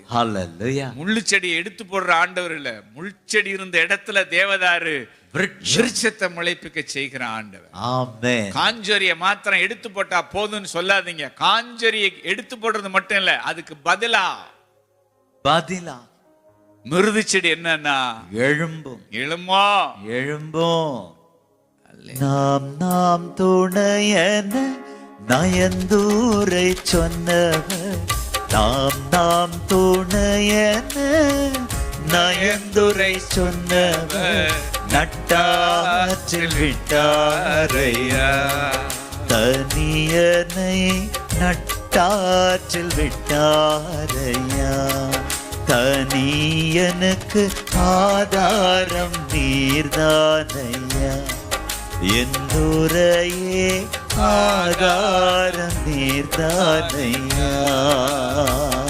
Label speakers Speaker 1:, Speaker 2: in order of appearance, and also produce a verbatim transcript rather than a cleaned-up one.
Speaker 1: ஹல்லேலூயா.
Speaker 2: முள்ளு செடியை எடுத்து போடுற ஆண்டவர் இல்ல, முள்செடி இருந்த இடத்துல தேவதாரு விருட்சத்தை முளைப்பிக்க செய்கிற ஆண்டவர்.
Speaker 1: ஆமென்.
Speaker 2: காஞ்சொரிய மாத்திரம் எடுத்து போட்டா போதும்னு சொல்லாதீங்க. காஞ்சொரியை எடுத்து போடுறது மட்டும் இல்ல, அதுக்கு பதிலா
Speaker 1: பதிலா
Speaker 2: மிருது செடி என்னன்னா
Speaker 1: எழும்பும்.
Speaker 2: எழுமோ
Speaker 1: எழும்பும். நாம் நாம் துணையன நயந்தூரை சொன்னவர், நாம் நாம் துணையன நயந்துரை சொன்னவர் நட்டாற்றில் விட்டாரையா. தனியனை நட்டாற்றில் விட்டாரையா. தனியனுக்கு ஆதாரம் நீர்தானையா. எந்துரையே ஆதாரம் நீர்தானையா.